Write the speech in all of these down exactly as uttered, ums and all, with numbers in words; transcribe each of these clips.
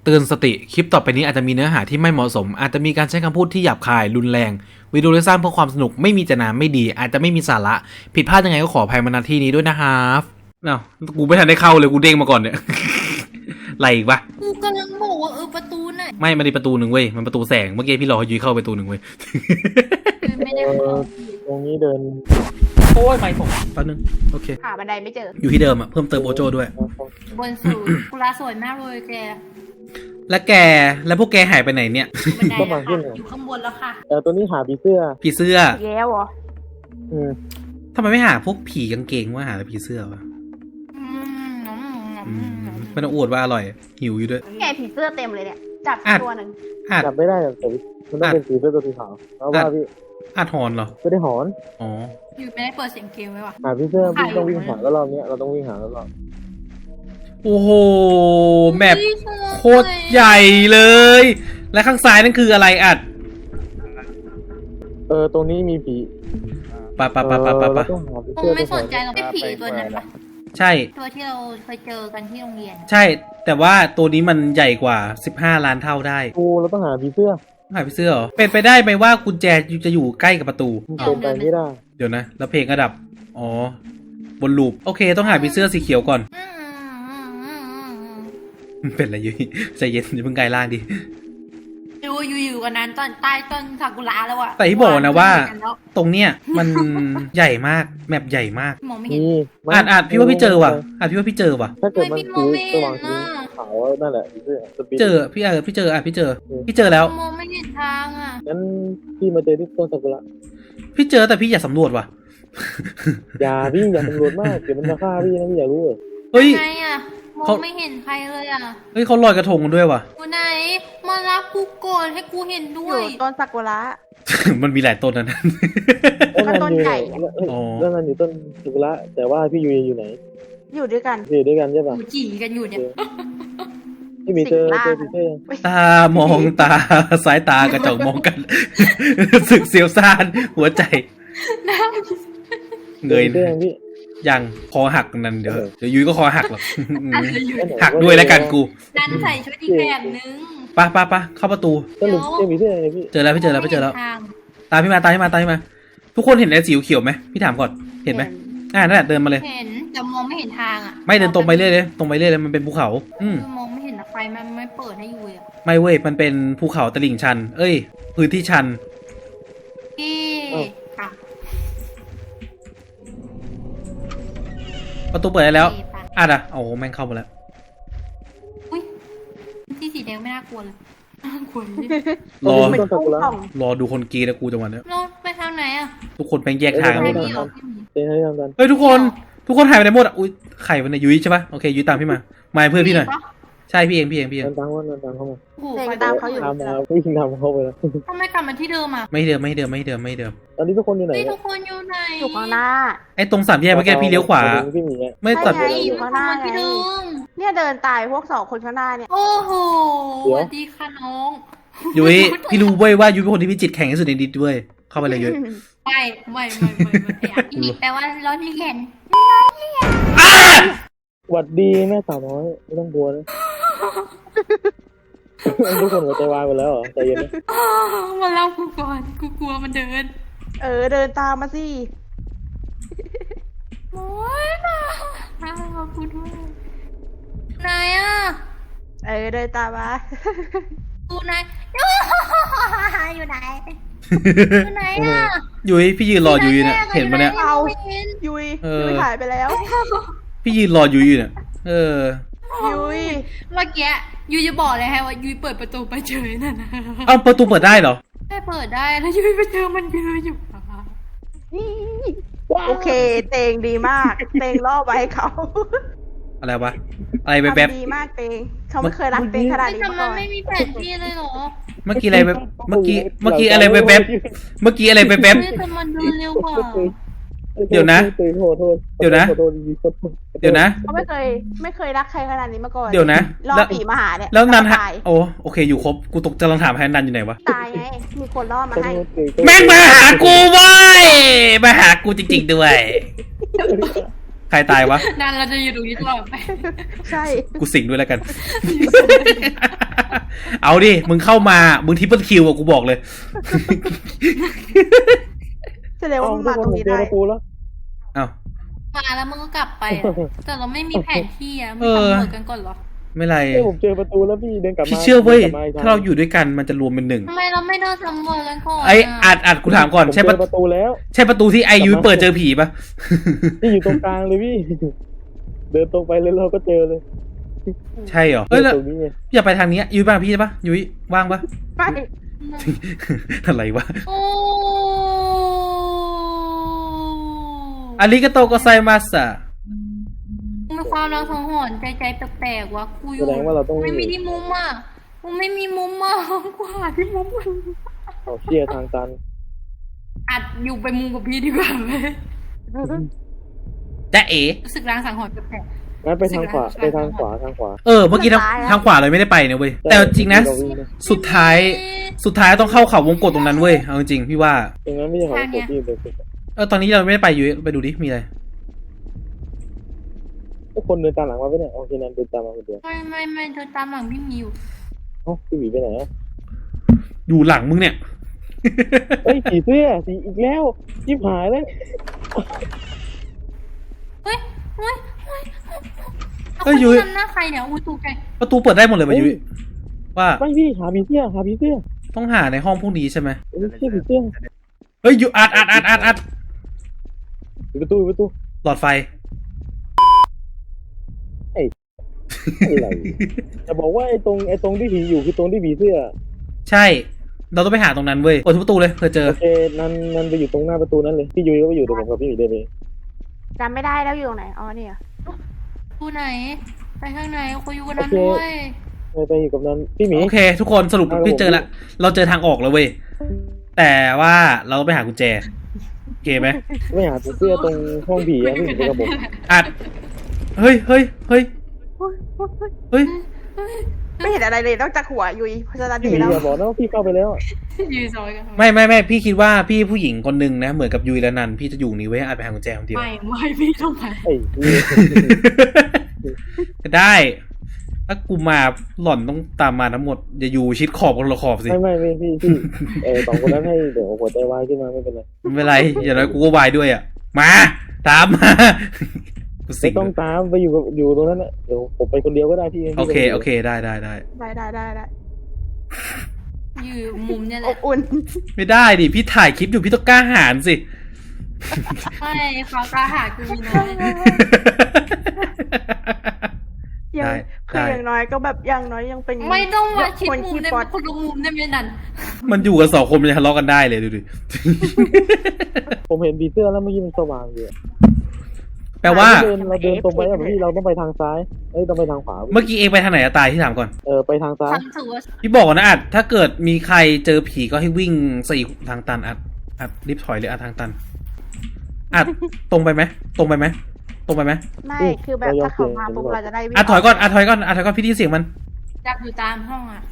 เตือนสติคลิปต่อไปนี้อาจจะมีเนื้อหาที่ไม่เหมาะสมอาจจะมีการใช้คำพูดที่หยาบคายรุนแรงวิดีโอที่สร้างเพื่อความสนุกไม่มีเจตนาไม่ดีอาจจะไม่มีสาระผิดพลาดยังไงก็ขออภัยมาณที่นี้ด้วยนะครับเอ้ากูไม่ทันได้เข้าเลยกูเด้งมาก่อนเนี่ย อะไรอีกปะกูกำลังบอกว่าเออประตูไหนไม่มันมีประตูหนึ่งเว้ยมันประตูแสงเมื่อกี้พี่รอให้ยุ้ยเข้าประตูหนึ่งเว้ยไม่ได้เข้าตรงนี้เดินโอ้ยไม่ผมแป๊บนึงโอเคหาบันไดไม่เจออยู่ที่เดิมอะเพิ่มเติมโอโจด้วยบนสูงกุลาสวยมากเลยแกและแกแล้วพวกแกหายไปไหนเนี่ยบันไดแล้วค่ะอยู่ข้างบนแล้วค่ะเออตัวนี้หาผีเสื้อผีเสื้อแย่เหรออืมทำไมไม่หาพวกผีกางเกงว่าหาแต่ผีเสื้อวะอืมอืมอืมไม่ต้องอวดว่าอร่อยหิวอยู่ด้วยแกผีเสื้อเต็มเลยเนี่ย จับอ่ะตัวหนึ่งอาจจับไม่ได้แต่มันต้องเป็นผีเสื้อตัวสีขาวแล้วว่าพี่อาจหอนเหรอไม่ได้หอนอ๋ออยู่ไม่ได้เปิดเสียงเกมไว้ว่ะหาผีเสื้อพี่ต้องวิ่งหาแล้วรอบนี้เราต้องวิ่งหาแล้วรอบโอ้โหแมปโคตรใหญ่เลย และข้างซ้ายนั่นคืออะไรอัดเออตรงนี้มีผีปะปะปะปะปะเราปะต้องหาผีคงเสื้อไม่สนใจหรอกไอ้ผีตัวนั้นปะใช่ตัวที่เราเคยเจอกันที่โรงเรียนใช่ แต่ว่าตัวนี้มันใหญ่กว่าสิบห้าล้านเท่าได้กูเราต้องหาผีเสื้อหายไปเสื้อเหรอเป็นไปได้ไหมว่ากุญแจจะอยู่ใกล้กับประตูเป็นไปไม่ได้เดี๋ยวนะ แล้วเพลงก็ดับอ๋อบนลูปโอเค ต้องหาผีเสื้อสีเขียวก่อนอืมอืมอืมอืมอืมมันเป็นอะไรอยู่ใจเย็นอย่าเพิ่งกลายร่างดิดูอยู่อยู่กันนั้นต้นใต้ต้นซากุระแล้วอะแต่ที่บอกนะว่า ตรงเนี้ยมันใหญ่มากแมปใหญ่มากมองไม่เห็นนี่อาจอาจพี่ว่าพี่เจอว่ะอาจพี่ว่าพี่เจอว่ะถ้าเกิดมันไม่สีพี่สมองว่างไม่สีเห็นน่ะขาวนั่นแหละผีเสื้อสปีดเจอพี่เออพี่เจออ่ะพี่เจอ พี่เจอแล้วมองไม่เห็นทางอะงั้นพี่มาเจอที่ต้นซากุระพี่เจอแต่พี่อยากสำรวจว่ะอย่าพี่อย่าตำรวจมากเดี๋ยวมันจะฆ่าพี่นะพี่อย่ารู้เลยเฮ้ยไงอะมอเขางไม่เห็นใครเลยอะเฮ้ยเขาลอยกระทงกันด้วยว่ะอยู่ไหนมารับกูก่อนให้กูเห็นด้อวยยู่ต้นซากุระมันมีหลายต้นนะแล้วมันต้นอยู่ใหญ่แล้วอ๋อแล้วมันอยู่ต้นซากุระแต่ว่าพี่ยูอยู่ไหนอยู่ด้วยกันอยู่ด้วยกันใช่ป่ะกูจีกันอยู่เนี่ยพี่มีเจอสิ่งล่างเจอผีเสื้อยังตามองตาสายตากระจกมองกัน สึกเสียวซ่านหัวใจเงยเจอยังพี่ยังคอหักนั่นเดี๋ยวเออเดี๋ยวยุ้ยก็คอหักหรอกอะไรอยู่หักด้วยแล้วกันกูดันใส่ชุดอีกแบบนึงปะปะปะเข้าประตูสรุปเจอผีเสื้อยังไงพี่เจอแล้วพี่เจอแล้วพี่เจอแล้วทางตามพี่มาตามพี่มาตามพี่มา ทุกคนเห็นไอ้สีเขียวไหมพี่ถามก่อนเห็นไหมอ่านั่นแหละเดินมาเลยเห็นแต่มองไม่เห็นทางอ่ะไม่เดินตรงไปเรื่อยเลยตรงไปเรื่อยเลยมันเป็นภูเขา อืมคือมองไม่เห็นอะไฟมันไม่เปิดให้อยู่เลยอะไม่เว้ยมันเป็นภูเขาตลิ่งชัน เอ้ย พื้นที่ชันพี่ค่ะประตูเปิดได้แล้วพี่ปะอ่ะอ่ะโอ้โหแม่งเข้ามาแล้วอุ้ยที่สีแดงไม่น่ากลัวเลยน่ากลัวเลยรอเป็นตู้กล่องรอดูคนกรีดนะกูจังหวะเนี้ยเราไปทางไหนอ่ะทุกคนแม่งแยกทางกันหมไม่ดเลมียหรอพี่หมีเจอให้ทำกันเฮ้ยทุกคน ทุกคนหายไปไหนหมดอ่ะอุ้ยไข่วันไหนยุ้ยใช่ปะโอเคยุ้ยตามพี่มามาเพื่อนพี่หน่อยปะใช่พี่เองพี่เองพี่เองเดินตามว่าเดินตามเข้ามาโอ้โหเดินไฟตามเขาอยู่ตามมาวิ่งตามเข้าไปแล้วทำไมกลับมาที่เดิมอ่ะไม่เดิมไม่เดิมไม่เดิมไม่เดิมตอนนี้ทุกคนอยู่ไหนเฮ้ยเนี่ทุยกคนอยู่ไหนอยู่ข้างหน้าไอ้ตรงสามแยกเมื่อกี้พี่เลี้ยวขวาพี่หมีอะไม่ตัดใช่ไงออยู่ ยู่ข้าข้าง งหหน้าน้าที่เดิมเนี่ยเดินตายพวกสองคนข้างหน้าเนี่ยโอ้โหสวัสดีค่ะน้องยุ้ยพี่รู้เว้ยว่ายุ้ยเป็นคนที่มีจิตแข็งที่สุดในดิสด้วยเข้าไปเลยยุ้ยไม่ไม่ไม่ไม่ไม่ไอ้อีแปลว่าร้อนเรียนหวัดดีแม่สาวน้อยไม่ต้องกลัวนะ ทุกคนหัวใจวายหมดแล้วเหรอใจเย็นนะอ้าวมาเล่ากูก่อนกูกลัวมันเดินเออเดินตามมาสิโอ้ยมาน่ารักกูด้วยไหนอ่ะเออเดินตามมากูไหนอยู่ไหนอยู่ไหนอ่ะยุ้ยพี่ยืนรอยุ้ยเนี่ยเห็นปะเนี่ยเอาไม่เห็นยุยเออยุยหายไปแล้วพี่ยืนรอยุ้ยอยู่เนี่ยเออยุยเมื่อกี้ยูจะบอกเลยให้ว่ายูเปิดประตูไปเจอนั่นนะเอ้าประตูเปิดได้เหรอได้เปิดได้แล้วยูไปเจอมันยืนอยู่โอเคเตงดีมาก เตงล่อไว้ให้เขาอะไรวะอะไรแบบแบบทำดีมากเตงเขาไม่เคยรักเตงขนาดนี้แต่มามัก่นอนไม่มีแผนที่เลยเหรอเมื่อกี้อะไรแบบเมื่อกี้เมื่อกี้อะไรแบบแบบเมื่อกี้อะไรแบบแบบเฮ้ยแต่มันเดินเร็วกว่าเดี๋ยวนะโทษโทษโทษเดี๋ยวนะขอโทษดีๆขอโทษเดี๋ยวนะเขาไม่เคยไม่เคยรักใครขนาดนี้มาก่อนเดี๋ยวนะล่อแล้วผีมาหาเนี่ยแล้วนันฮะตายโอ้โอเคอยู่ครบกูตกกำลังถามแฮนนันอยู่ไหนวะตายไงมีคนล่อมาขอให้โทษเก่งแม่งมาหากูเว้ยมาหากูจริงๆด้วย ใครตายวะนั่นเราจะอยู่ตรงนี้ตลอดไปใช่กูสิงด้วยแล้วกันเอาดิ มึงเข้ามา มึงทิปเปิลคิวอะกูบอกเลยแสดงว่าเอ้ามึงทุกมาคนตรงผมนี้เจอได้ประตูแล้วเอ้ามาแล้วมึงก็กลับไปอะแต่เราไม่มีแผนที่อะมึเอง อทำหมดกันก่อนเหรอไม่ไรเฮ้ยผมเจอประตูแล้วพี่เดินกลับมาพี่เชื่อเว้ยดินกลับมอีกทงถ้าเราอยู่ด้วยกันมันจะรวมเป็นหนึ่งทำไมเราไม่เดินสำรวจกันก่อนไอ้อัดอัดกูถามก่อนผมใช่เจปะอประตูแล้วใช่ประตูที่ไอยูเปิดเจอผีปะพี่อยู่ตรงกลางเลยพี่ เดินตรงไปเลยเราก็เจอเลยใช่เหรอ เอ้ยแล้วตรงนี้ไงอย่าไปทางนี้ยุ้ยบ้างพี่ใช่ปะยุ้ยว่างปะไม่อะไรวะโอ้อาริกาโตโกไซมัสอะมีความรังสังหรณ์ใจใจแปลกๆวะกูอแสยู่ดงว่าเราต้องไม่มีที่มุมอ่ะกูไม่มีมุมอ่ะกูหาที่มุมเอาเชียร์ทางตันอัดอยู่ไปมุมกับพี่ดีกว่าไหมจ๊ะเอ๋รู้สึกรังสังหรณ์แปลกงั้นไปทางขวาสิบไปล้านทางขวาทางขวาเออ เมื่อกี้ทางทางขวาเลยไม่ได้ไปนะเว้ย แต่จริงนะเราวิ่งนะสุดท้าย สุดท้ายต้องเข้าเขาวงกตตรงนั้นเว้ย เอาจริงๆพี่ว่าตรงนั้นไม่ใช่ของผมพี่เป็นเออ ตอนนี้เราไม่ได้ไปยุ้ยไปดูดิ มีอะไรทุกคนเดินตามหลังมาไปเนี่ยโอเคนั้นเดินตามมาคนเดียวไม่ไม่ไม่เธอตามหลังพี่มิวเอ้าพี่หวีไปไหนอะอยู่หลังมึงเนี่ยเฮ้ยผีเสื้อสีอีกแล้วยิบหายเลยเฮ้ยเฮ้ยเฮ้ยเฮ้ยยุ้ยทำหน้าใครเนี่ยอุ้ยตูไกประตูเปิดได้หมดเลยป่ะยุ้ยว่าไม่พี่หาผีเสื้อหาผีเสื้อต้องหาในห้องพวกนี้ใช่ไหมเฮ้ยเสื้อผีเสื้อเฮ้ยยุอัดอัดอัดอัดอัดปิดประตูปิดประตูหลอดไฟอะไรจะบอกว่าไอ้ตรงไอ้ตรงที่ผีอยู่คือตรงที่ผีเสื้อใช่ เราต้องไปหาตรงนั้นเว้ยเปิดทุกประตูเลยเผื่อเจอโอเคนันนันไปอยู่ตรงหน้าประตูนั้นเลยพี่ยุ้ยก็ไปอยู่ตรงผมกับพี่หมีเดินไปจำไม่ได้แล้วอยู่ตรงไหน อ๋อเนี่ยกูไหนไปข้างในกูอยู่กันนั้นด้วยไปไปอยู่กับนันพี่หมีโอเค ทุกคนสรุปครับพี่เจอละ เราเจอทางออกแล้วเว้ย แต่ว่าเราต้องไปหากุญแจโอเคไหมไม่หาผีเสื้อตรงห้องผีอะพี่หมีไปกับผมอัด เฮ้ยเฮ้ยเฮ้ยเฮ้ยไม่เห็นอะไรเลยนอกจากหัวยุยเพราะฉะนั้นพี่หดีมีแล้วอย่าบอกนะว่าพี่เข้าไปแล้วอะยืนซอยกันไม่ไม่ไม่พี่คิดว่าพี่ผู้หญิงคนหนึ่งนะ เหมือนกับยุยและนันพี่จะอยู่นี่เว้ยอาจไปหากุญแจคนเดียวไม่ไม่พี่ต้องไปไอ้นี่ก็ได้ ถ้ากูมาหล่อนต้องตามมาทั้งหมดอย่าอยู่ชิดขอบคนละขอบสิไม่ไม่ไม่พี่พี่เออสองคนนั้นให้เดี๋ยวหัวใจวายขึ้นมาไม่เป็นไรไม่เป็นไร อย่างน้อยกูก็วายด้วยอ่ะ มา ตามมากูสิไม่งต้องตามไปอยู่กับอยู่ตรงนั้นนะเดี๋ยวผมไปคนเดียวก็ได้พี่โอเคโอเคได้ได้ได้ได้ได้ได้ได้อยู่มุมเนี่ยแหอละบอุ่นไม่ได้ดิพี่ถ่ายคลิปอยู่พี่ต้องกล้าหาญสิไม่เขาตาหากูมีน้อยยังได้คือได้อย่างน้อยก็แบบอย่างน้อยยังเป็นไม่ต้องมาชิดคนมุมขี้ได้ปไหอมดคนละมุมได้ไหมนั่นมันอยู่กันสองคนมันจะทะเลาะกันได้เลยดูดิผมเห็นผีเสื้อแล้วเมื่อกี้มันสว่างอยู่อะแปลว่าเราเดินเราเดินตรงไปแบบพี่เราต้องไปทางซ้ายเอ้ยต้องไปทางขวาเมื่อกี้เองไปทางไหนอะตายที่ถามก่อนเออไปทางซ้ายความรู้สึกว่าพี่บอกก่อนนะอัดถ้าเกิดมีใครเจอผีก็ให้วิ่งสี่ทางตันอัดอัดรีบถอยเลยอัดทางตันอัดตรงไปไหมตรงไปไหมตรงไปไหมไม่คือแบบถ้าเขามาปุ๊บเราจะได้วิ่งอัดถอยก่อนอัดถอยก่อนอัดถอยก่อนพี่ได้ยินเสียงมันจับอยู่ตามห้องอ่ะ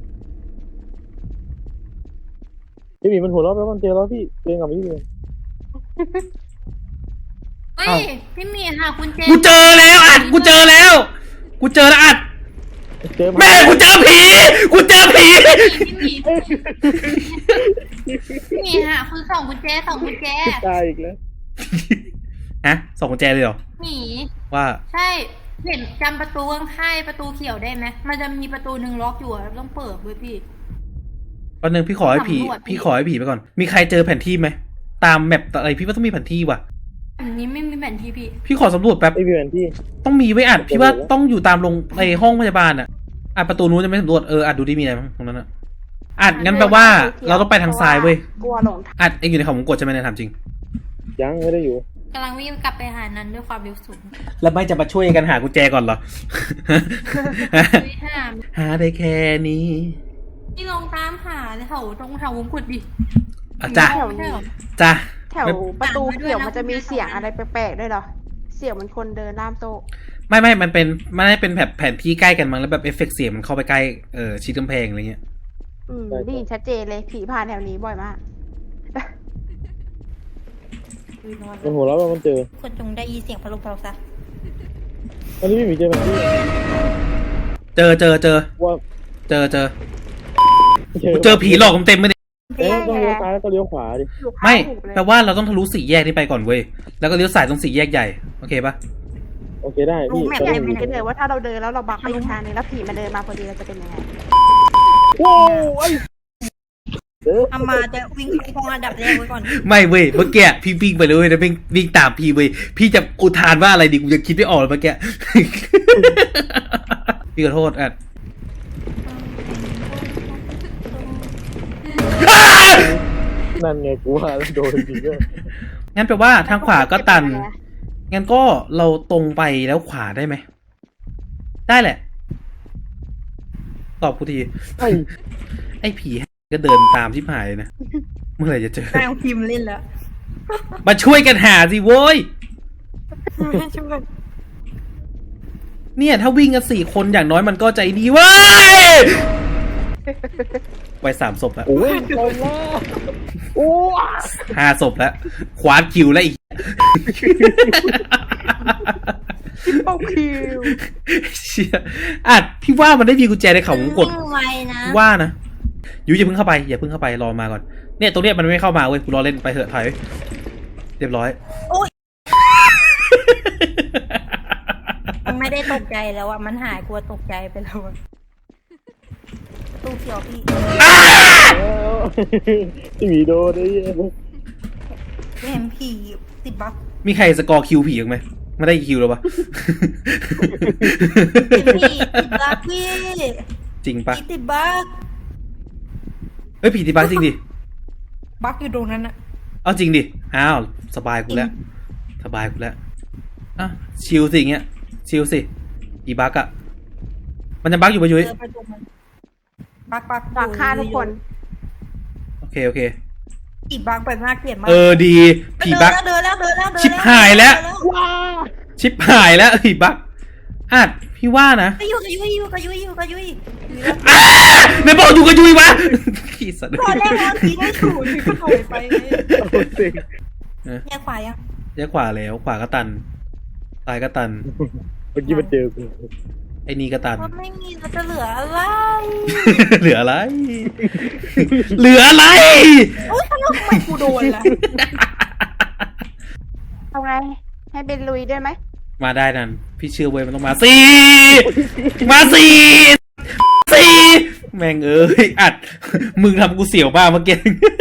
พี่หมีมันหัวเราะแล้วมันเจอแล้วพี่เจอกับพี่หมีเฮ้ยพี่มีหาคุณเจกูเจอแล้วอัดกูเจอแล้ว กูเจอแล้วอัดเจอแม่กูเจอผีกูเจอผีพี่มีพี่มีหาคือสองกุญแจสองกุญแจตายอีกแล้วฮะสองกุญแจเลยเหรอหนีว่าใช่เห็นจำประตูข้างๆประตูเขียวได้ไหมมันจะมีประตูหนึ่งล็อกอยู่อะต้องเปิดเว้ยพี่วันหนึ่งพี่ขอให้ผีสำรวจพี่ขอให้ผีไปก่อน มีใครเจอแผนที่ไหมตามแมปอะไรพี่ว่าต้องมีแผนที่ว่ะอันนี้ไม่มีแผนที่พี่พี่ขอสำรวจแป๊บไอ้พี่แมนที่ต้องมีไว้อัดพี่ว่าต้องอยู่ตามโรงในห้องพยาบาลอ่ะอัดประตูนู้นจะไม่สำรวจเอออัดดูดิมีอะไรบ้างตรงนั้นอ่ะอัดงั้นแปลว่าเราต้องไปทางซ้ายเว้ยกลัวหลงทางอัดเองอยู่ในเขาวงกดใช่ไหมเนี่ยถามจริงยังไม่ได้อยู่กำลังวิ่งกลับไปหานั้นด้วยความเร็วสูงแล้วไม่จะมาช่วยกันหากุญแจก่อนเหรอไม่ห้ามหาได้แค่นี้พี่ลองตามหาแถวตรงแถววงกุฎดิอ่ะจ้ะไม่ใช่หรอจ้ะแถวประตูเขียวมันจะมีเสียงอะไรแปลกๆด้วยเหรอ เสียงเหมันคนเดินล่ามโต๊ะไม่ไม่มันเป็นมันได้เป็นแบบแผนที่ใกล้กันมั้งแล้วแบบเอฟเฟกต์เสียงมันเข้าไปใกล้เออชิดกำแพงอะไรเงี้ยอืมได้ยินชัดเจนเลยผีผ่านแถวนี้บ่อยมากมันหัวเราะว่ามันเจอคนจงได้ยินเสียงพะโลุพะโลุซะตอนนี้พี่หมีเจอแมนที่เจอเจอเจอว่าเจอเจอกูเจอผีหลอกเต็มๆเลยเอ๊ะต้องเลี้ยวซ้ายแล้วก็เลี้ยวขวาดิอยู่ข้างไม่ถูกเลยแปลว่าเราต้องทะลุสี่แยกนี้ไปก่อนเว้ยแล้วก็เลี้ยวซ้ายตรงสี่แยกใหญ่โอเคปะโอเคได้พี่แม่ตอนแม่นี้ไม่เลยว่าถ้าเราเดินแล้วเราบักไปอีกทางนึงแล้วผีมันเดินมาพอดีเราจะเป็นยังไงโว้ไอ้เด้ออามาจะวิ่งคงอันดับแรกไว้ก่อนไม่เว้ยเมื่อกี้พี่วิ่งไปเลยเว้ยแล้ววิ่งวิ่งตามพี่เว้ยพี่จะอุทานว่าอะไรดีกูยังคิดไม่ออกเลยเมื่อกี้ พี่ขอโทษอ่ะนั่นไงกูว่าแล้วโดนจริงด้วยงั้นแปลว่าทางขวาก็ตัน งั้นก็เราตรงไปแล้วขวาได้ไหม ได้แหละ ตอบกูทีไอ้ไอ้ผีก็เดินตามชิบหายเลยนะ เมื่อไหร่จะเจอแรงพิมพ์เล่นแล้วมาช่วยกันหาสิโว้ยช่วยเนี่ยถ้าวิ่งกันสี่คนอย่างน้อยมันก็ใจดีเว้ยไปสามศพแล้วโอ้ยตอนแล้วโอ้ห้าศพแล้วคว้านคิวแล้วอีกเป้าคิวเชี่ยอ่ะพี่ว่ามันได้มีกุญแจในเขาวงกดวิ่งไวนะว่านะยูอย่าเพิ่งเข้าไปอย่าเพิ่งเข้าไปรอมาก่อนเนี่ยตรงเนี้ยมันไม่เข้ามาเว้ยกูรอเล่นไปเถอะถอยเรียบร้อยมันไม่ได้ตกใจแล้วอะมันหายกลัวตกใจไปแล้วอะตู้เขียวพี่พี่หมีโดนไอ้เหี้ยเห็นผีติดบั๊กมีใครสกอร์คิวผีอีกไหมไม่ได้คิวแล้วปะพี่ติดบั๊กพี่จริงปะผีติดบั๊กเฮ้ยผีติดบั๊กจริงดิบั๊กอยู่ตรงนั้นอะเอาจริงดิอ้าวสบายกูแล้วสบายกูแล้วอ่ะชิลสิอย่างเงี้ยชิลสิผีบั๊กอะมันจะบั๊กอยู่ปะยุ้ยเจอไปตรงนั้นบั๊กบั๊กบักฆ่าทุกคนโอเคโอเคผีบั๊กแบบน่าเกลียดมากเออดีผีบั๊กเดินแล้วเดินแล้วเดินแล้วชิบหายแล้วเดินว้าชิบหายแล้วผีบั๊กอ่ะพี่ว่านะกระยุยกระยุยอยู่กระยุยอยู่กระยุยอยู่แล้วอ้าไม่บอกอยู่กับยุยวะพี่สัตว์ตอนแรกเราทีได้ถูกก็ถอยไปเลยเอาสิแยกขวายังแยกขวาแล้วขวาก็ตันซ้ายก็ตันเมื่อกี้มันเจอกูไอ้นี่ก็ตันว่าไม่มีเราจะเหลืออะไรเหลืออะไร เหลืออะไรโอ๊ยทำไมกูโดนล่ะเอาไง ให้เป็นลุยด้วยไหมมาได้นั่นพี่เชื่อเว้ยมันต้องมาสี่มาสี่สี่แม่งเอ้ยอัดมึงทำกูเสียวมากเมื่อกี้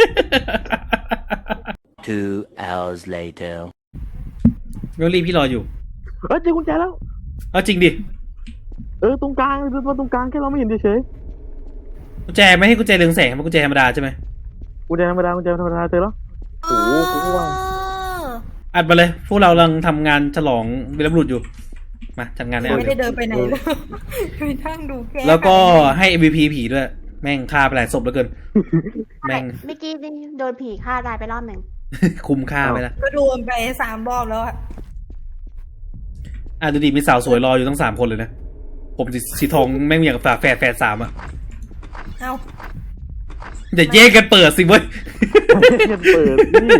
Two hours later. เมลลี่พี่รออยู่เออเจอกุญแจแล้วเอาจริงดิเออตรงกลางเดินมาตรงกลางแค่เราไม่เห็นเฉยกุญแจไม่ให้กุญแจเรืองแสงมันกุญแจธรรมดาใช่ไหมๆกุญแจธรรมดากุญแจธรรมดาเจอแล้ว โอ้โหกูก็ว่าอัดมาเลยพวกเรากำลังทำงานฉลองวีรบุรุษอยู่มาจัดงานให้อัดไม่เลได้ยเดินไปไหนเลยไปนั่งดูแค่แล้วก็ให้ เอ็ม วี พี ผีด้วยแม่งฆ่าไปหลายศพเหลือเกินแม่งเมื่อกี้นี่โดนผีฆ่าตายไปรอบหนึ่งคุ้มค่าไปละก็โดนไปสามรอบแล้วอะอ่ะดูดิมีสาวสวยรออยู่ทั้งสามคนเลยนะ ผมสีสีทองแม่งอย่างกับฝาแฝดแฝดสามอ่ะเอ้าอย่าแย่งกันเปิดสิเว้ยเงียบเปิดนี่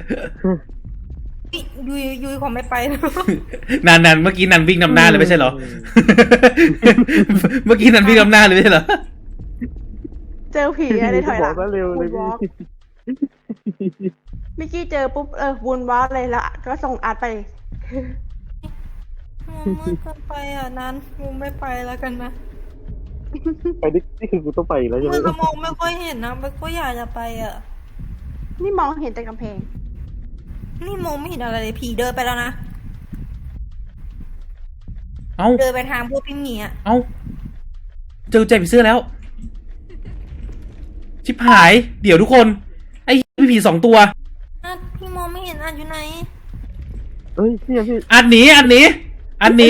ยุยยุยของไม่ไปนะนันนันเมื่อกี้นันวิ่งนำหน้าเลยไม่ใช่เหรอ เมื่อกี้นันวิ่งนำหน้าเลยไม่ใช่เหรอเจอผีอะไรถอยหลังบอกว่าเร็วเลยวูนวอล์กพี่เมื่อกี้เจอปุ๊บเออวูนวอล์กเลยแล้วก็ส่งอาร์ตไปมันมืดเกินไปอ่ะนั้นกูไม่ไปแล้วกันนะไปนี่นี่คือกูต้องไปอีกแล้วใช่ไหมมันก็มองไม่ค่อยเห็นนะมันก็อยากจะไปอ่ะนี่มองเห็นแต่กำแพงนี่มองไม่เห็นอะไรเลยผีเดินไปแล้วนะเอ้าเดินไปทางพวกพี่หมีอ่ะเอ้าเจอกุญแจผีเสื้อแล้ว ชิบหาย เดี๋ยวทุกคน ไอ้พี่ผีสองตัวอ่ะพี่มองไม่เห็นอ่ะอยู่ไหนเฮ้ยเนี่ยพี่อันหนีอันหนีอันหนี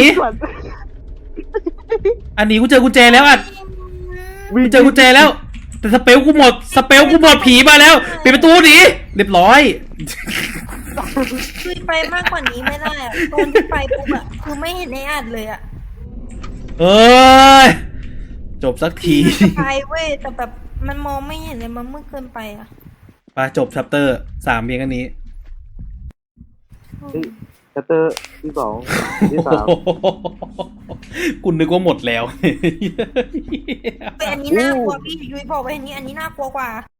อันหนีกูเจอกุญแจแล้วอัดวิ่งกูเจอกุญแจแล้ว แต่สเปลกูหมด สเปลกูหมดผีมาแล้วปิดประตูหนีเรียบร้อยคือไปมากกว่านี้ไม่ได้อ่ะตอนที่ไปปุ๊บอ่ะคือไม่เห็นในอัดเลยอ่ะเอ้ย จบสักทีจะไปเว้ยแต่แบบมันมองไม่เห็นเลยมันมืดเกินไปอ่ะไปจบชัปเตอร์สามเพียงอันนี้ชัตเตอร์ที่สองที่สามคุณนึกว่าหมดแล้วแต่อันนี้น่ากลัวพี่ยุ้ยบอกว่าอันนี้อันนี้น่ากลัวกว่า